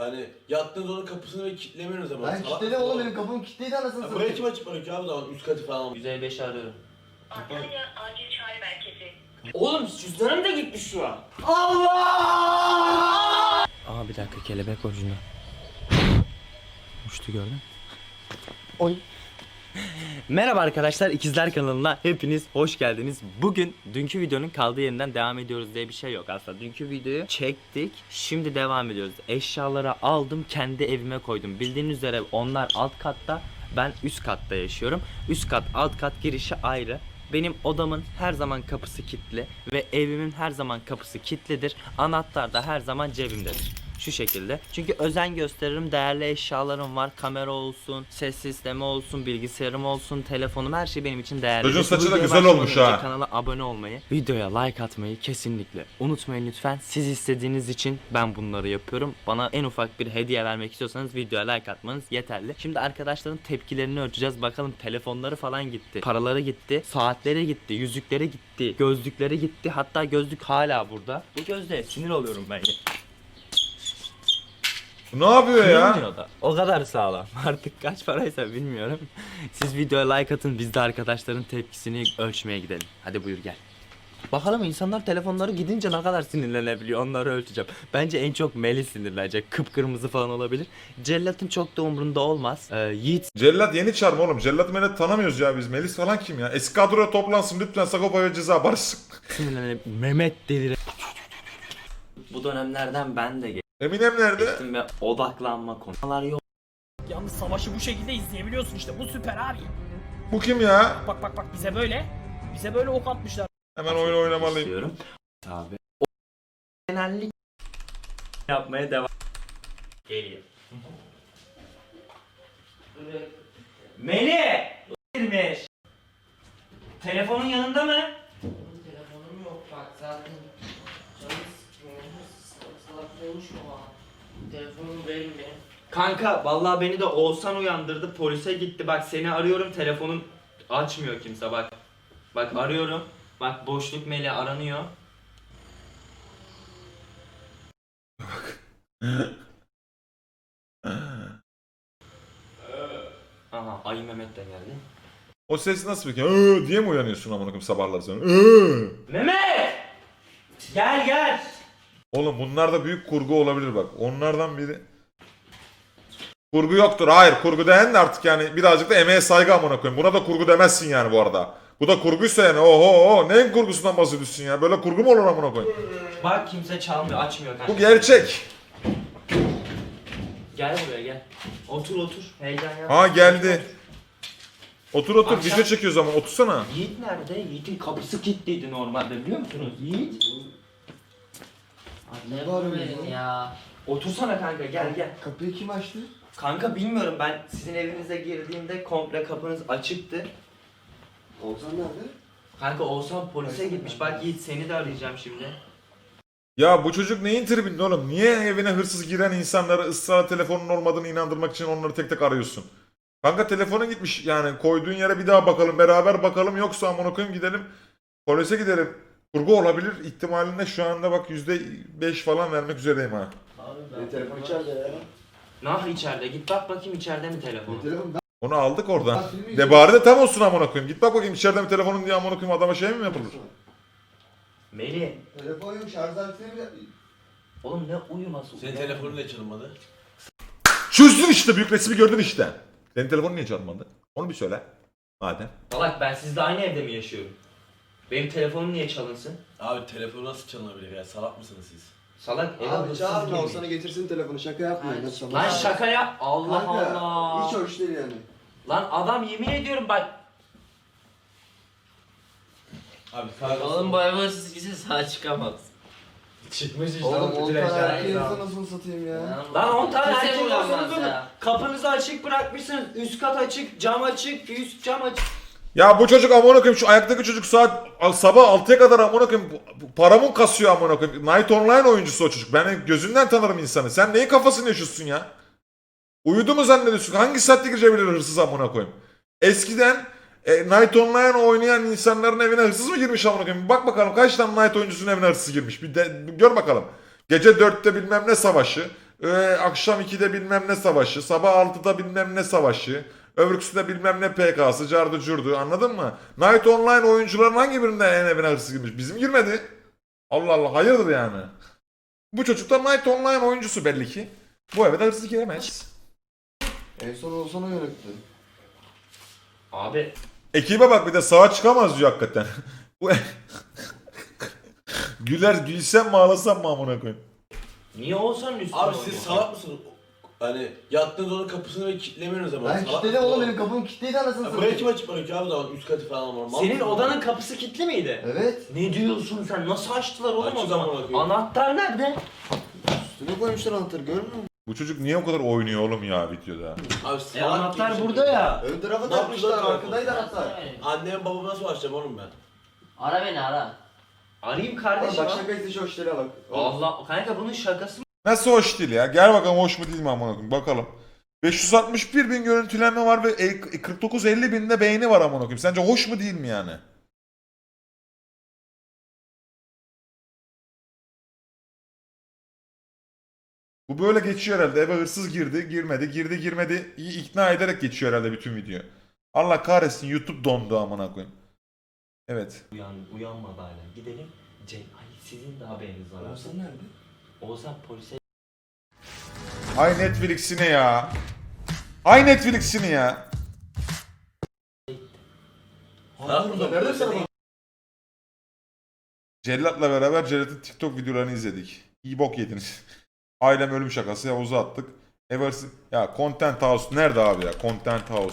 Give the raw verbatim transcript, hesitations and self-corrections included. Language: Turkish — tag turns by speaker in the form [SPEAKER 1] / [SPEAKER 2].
[SPEAKER 1] Hani yattığınız onun kapısını ve kilitlemiyorsunuz ama.
[SPEAKER 2] Ben kilitledim oğlum, benim kapım kilitliydi anasını
[SPEAKER 1] Ya
[SPEAKER 2] satayım.
[SPEAKER 1] buraya kim açıp bırakıyor abi o zaman üst katı falan.
[SPEAKER 3] yüz elli beşi arıyorum.
[SPEAKER 4] Antalya Acil Çağrı Merkezi.
[SPEAKER 3] Oğlum cüzdanım da gitmiş şu an.
[SPEAKER 2] Allah!
[SPEAKER 3] Aa bir dakika, kelebek ucunda. Uçtu, gördün.
[SPEAKER 2] Oy.
[SPEAKER 3] Merhaba arkadaşlar, İkizler kanalına hepiniz hoş geldiniz. Bugün dünkü videonun kaldığı yerinden devam ediyoruz diye bir şey yok aslında. Dünkü videoyu çektik, şimdi devam ediyoruz. Eşyaları aldım, kendi evime koydum. Bildiğiniz üzere onlar alt katta, ben üst katta yaşıyorum. Üst kat alt kat girişi ayrı. Benim odamın her zaman kapısı kilitli ve evimin her zaman kapısı kilitlidir. Anahtar da her zaman cebimdedir. Şu şekilde. Çünkü özen gösteririm. Değerli eşyalarım var. Kamera olsun, ses sistemi olsun, bilgisayarım olsun, telefonum, her şey benim için değerli.
[SPEAKER 5] Çocuğun saçı da
[SPEAKER 3] Videoya
[SPEAKER 5] güzel
[SPEAKER 3] başlamadan
[SPEAKER 5] olmuş
[SPEAKER 3] önce
[SPEAKER 5] ha.
[SPEAKER 3] Kanala abone olmayı, videoya like atmayı kesinlikle unutmayın lütfen. Siz istediğiniz için ben bunları yapıyorum. Bana en ufak bir hediye vermek istiyorsanız videoya like atmanız yeterli. Şimdi arkadaşların tepkilerini ölçeceğiz. Bakalım telefonları falan gitti. Paraları gitti. Saatleri gitti. Yüzükleri gitti. Gözlükleri gitti. Hatta gözlük hala burada. Bu gözlüğe sinir oluyorum ben ya.
[SPEAKER 5] Bu ne yapıyor ya?
[SPEAKER 3] Kırılmıyor da. O kadar sağlam. Artık kaç paraysa bilmiyorum. Siz videoya like atın, biz de arkadaşların tepkisini ölçmeye gidelim. Hadi buyur gel. Bakalım insanlar telefonları gidince ne kadar sinirlenebiliyor, onları ölçeceğim. Bence en çok Melih sinirlenecek. Kıpkırmızı falan olabilir. Cellat'ın çok da umrunda olmaz. Ee, Yiğit
[SPEAKER 5] Cellat yeni çarmı oğlum. Cellat Melet tanımıyoruz ya biz. Melis falan kim ya? Eski kadroya toplansın lütfen, Sagopa ve Ceza barışsın.
[SPEAKER 3] sinirlenebilir. Mehmet delire. Bu dönemlerden ben de
[SPEAKER 5] Eminem nerede?
[SPEAKER 3] geçtim ve odaklanma konular yok.
[SPEAKER 6] Yalnız savaşı bu şekilde izleyebiliyorsun işte. Bu süper abi.
[SPEAKER 5] Bu kim ya?
[SPEAKER 6] Bak bak bak bize böyle. Bize böyle ok atmışlar.
[SPEAKER 5] Hemen oyun oynamalıyım.
[SPEAKER 3] İstiyorum. Tabii. O genellik yapmaya devam. Geliyor. Melih! Girmiş. Telefonun yanında mı?
[SPEAKER 7] Telefonum yok bak zaten canım sıkıyor. Salak salak konuşma bana. Telefonum benim benim.
[SPEAKER 3] Kanka vallahi beni de Oğuzhan uyandırdı, polise gitti. Bak seni arıyorum, telefonun açmıyor kimse bak. Bak arıyorum. Bak boşluk Melih aranıyor. Aha Ayı Mehmet de geldi.
[SPEAKER 5] O ses nasıl peki? Iıı diye mi uyanıyorsun amına koyayım sabahlar sonra? Iıı.
[SPEAKER 3] Mehmet! Gel gel.
[SPEAKER 5] Oğlum bunlar da büyük kurgu olabilir bak. Onlardan biri. Kurgu yoktur. Hayır, kurgu deyen de artık yani birazcık da emeğe saygı amına koyayım. Buna da kurgu demezsin yani bu arada. Bu da kurguysa yani oho oho neyin kurgusundan bahsediyorsun ya? Böyle kurgu mu olur amına koyayım?
[SPEAKER 3] Bak kimse çalmıyor, açmıyor kanka.
[SPEAKER 5] Bu gerçek.
[SPEAKER 3] Gel buraya gel. Otur otur. Heyecan yapma.
[SPEAKER 5] Ha geldi. Otur otur
[SPEAKER 3] Akşam-
[SPEAKER 5] video çekiyoruz ama otursana.
[SPEAKER 3] Yiğit nerede? Yiğit'in kapısı kilitliydi normalde, biliyor musunuz? Yiğit.
[SPEAKER 2] Ne
[SPEAKER 7] Telefon
[SPEAKER 2] var
[SPEAKER 7] verin
[SPEAKER 2] ya?
[SPEAKER 7] ya.
[SPEAKER 3] Otursana kanka, gel gel.
[SPEAKER 2] Kapıyı kim açtı?
[SPEAKER 3] Kanka bilmiyorum, ben sizin evinize girdiğimde komple kapınız açıktı.
[SPEAKER 2] Oğuzhan nerede?
[SPEAKER 3] Kanka Oğuzhan polise gitmiş. Bak Yiğit, seni de arayacağım şimdi.
[SPEAKER 5] Ya bu çocuk neyin tribinde oğlum? Niye evine hırsız giren insanları ısrarla telefonun olmadığını inandırmak için onları tek tek arıyorsun? Kanka telefonun gitmiş yani, koyduğun yere bir daha bakalım, beraber bakalım, yoksa amına koyayım gidelim polise gidelim. Kurgu olabilir ihtimalinde şu anda bak yüzde beş falan vermek üzereyim ha.
[SPEAKER 2] Benim telefon içeride ya.
[SPEAKER 3] Nah içeride, git bak bakayım içeride mi telefon?
[SPEAKER 2] Benim telefon ben...
[SPEAKER 5] Onu aldık oradan.
[SPEAKER 2] Ben filmi
[SPEAKER 5] De
[SPEAKER 2] izliyorum.
[SPEAKER 5] bari de tam olsun amına koyayım. Git bak bakayım içeride mi telefonun diye amına koyayım, adama şey mi yapılır?
[SPEAKER 3] Melih.
[SPEAKER 2] Telefon yok, şarj aletini bile...
[SPEAKER 3] Oğlum ne uyuması?
[SPEAKER 1] Senin telefonun da çalınmadı.
[SPEAKER 5] Çözdün işte, büyük resmi gördün işte. Senin telefonun niye çalmadı? Onu bir söyle. Madem.
[SPEAKER 3] Salak, ben sizle aynı evde mi yaşıyorum? Benim telefonum niye çalınsın?
[SPEAKER 1] Abi telefonu nasıl çalınabilir ya? Salak mısınız siz?
[SPEAKER 3] Salak, eve
[SPEAKER 2] Abi
[SPEAKER 3] hırsız
[SPEAKER 2] çağırma,
[SPEAKER 3] girmiş.
[SPEAKER 2] Oğuzhan'a getirsin telefonu, şaka yapmayın. Nasıl
[SPEAKER 3] Lan şaka yap. Allah
[SPEAKER 2] Kanka,
[SPEAKER 3] Allah.
[SPEAKER 2] hiç hoş değil yani.
[SPEAKER 3] Lan adam, yemin ediyorum bak.
[SPEAKER 1] Abi sağ
[SPEAKER 7] Oğlum bu ev hırsız gitse sağ çıkamaz.
[SPEAKER 1] çıkmış işte.
[SPEAKER 2] Oğlum
[SPEAKER 1] bütün
[SPEAKER 2] on tane
[SPEAKER 1] eşyalar.
[SPEAKER 2] erkeği nasıl satayım ya?
[SPEAKER 3] Lan on tane
[SPEAKER 7] Kimse
[SPEAKER 3] erkek
[SPEAKER 7] bulamaz
[SPEAKER 3] olsanız olur.
[SPEAKER 7] ya.
[SPEAKER 3] Kapınızı açık bırakmışsınız. Üst kat açık, cam açık, üst cam açık.
[SPEAKER 5] Ya bu çocuk amına koyayım, şu ayaktaki çocuk saat sabah altıya kadar amına koyayım paramın kasıyor amına koyayım. Night Online oyuncusu o çocuk. Ben gözünden tanırım insanı. Sen neyin kafasını yaşıyorsun ya? Uyudu mu zannediyorsun? Hangi saatte girebilir hırsız amına koyayım? Eskiden e, Night Online oynayan insanların evine hırsız mı girmiş amına koyayım? Bak bakalım kaç tane Night oyuncusunun evine hırsız girmiş. Bir de bir gör bakalım. Gece dörtte bilmem ne savaşı. Ee, akşam ikide bilmem ne savaşı, sabah altıda bilmem ne savaşı, öbürküsü de bilmem ne P K'sı, cardı curdu, anladın mı? Night Online oyuncuların hangi birinde en evine hırsız girmiş? Bizim girmedi. Allah Allah, hayırdır yani. Bu çocuk da Night Online oyuncusu belli ki. Bu eve de hırsız giremez.
[SPEAKER 2] En son olsan o yönetti.
[SPEAKER 3] Abi
[SPEAKER 5] Ekibe bak, bir de sağa çıkamaz diyor hakikaten. Bu Güler gülsem mi ağlasam mı amına koyayım?
[SPEAKER 3] niye Oğuzhan'ın üstüne
[SPEAKER 1] Abi siz
[SPEAKER 3] oynuyorsun?
[SPEAKER 1] salak mısınız? Hani yattığınız odanın kapısını ve kilitlemiyorsunuz ama.
[SPEAKER 2] Ben
[SPEAKER 1] Salak
[SPEAKER 2] kilitledim
[SPEAKER 1] mısınız
[SPEAKER 2] oğlum, benim kapım kilitliydi anasını
[SPEAKER 1] Ya buraya kim
[SPEAKER 2] satayım.
[SPEAKER 1] açıp bırakıyor abi zaman üst katı falan var. Mal
[SPEAKER 3] Senin
[SPEAKER 1] mısın?
[SPEAKER 3] odanın kapısı kilitli miydi?
[SPEAKER 2] Evet.
[SPEAKER 3] Ne diyorsun sen? Nasıl açtılar oğlum o
[SPEAKER 1] Açık
[SPEAKER 3] zaman?
[SPEAKER 1] amına koyayım.
[SPEAKER 3] Anahtar nerede?
[SPEAKER 2] Üstüne koymuşlar anahtarı, görmüyor musun?
[SPEAKER 5] Bu çocuk niye o kadar oynuyor oğlum ya videoda?
[SPEAKER 1] Abi
[SPEAKER 3] E
[SPEAKER 1] salak
[SPEAKER 3] anahtar
[SPEAKER 1] gibi bir
[SPEAKER 3] burada
[SPEAKER 1] şey
[SPEAKER 3] ya.
[SPEAKER 2] Ön tarafa
[SPEAKER 1] Ne
[SPEAKER 2] takmışlar,
[SPEAKER 1] yaptılar?
[SPEAKER 2] arkadaydı
[SPEAKER 7] Ara
[SPEAKER 2] anahtar.
[SPEAKER 7] beni.
[SPEAKER 1] Annem babamı nasıl açacağım oğlum ben?
[SPEAKER 7] Ara beni ara.
[SPEAKER 3] Arayayım
[SPEAKER 2] Oğlum
[SPEAKER 3] kardeşim.
[SPEAKER 2] bak şaka izle şu hoşları bak.
[SPEAKER 3] Allah kanka bunun şakası mı?
[SPEAKER 5] Nasıl hoş değil ya? Gel bakalım hoş mu değil mi amına koyayım, bakalım. beş yüz altmış bir bin görüntülenme var ve e- kırk dokuz elli binde beğeni var amına koyayım. Sence hoş mu değil mi yani? Bu böyle geçiyor herhalde. Eve hırsız girdi, girmedi, girdi, girmedi. İyi ikna ederek geçiyor herhalde bütün video. Allah kahretsin, YouTube dondu amına koyayım. Evet.
[SPEAKER 3] Uyan, uyanmadı hala. Gidelim. Cem, ay sizin de haberiniz var. abi.
[SPEAKER 2] Oğuzhan nerede?
[SPEAKER 3] Oğuzhan polise
[SPEAKER 5] Ay Netflix'ini ya. Ay Netflix'ini ya.
[SPEAKER 2] Aa, burada nerede sana bak?
[SPEAKER 5] Cellat'la beraber Cellat'ın TikTok videolarını izledik. İyi bok yediniz. Ailem ölüm şakası, Yavuz'a attık. Eversi ya Content House nerede abi ya? Content House.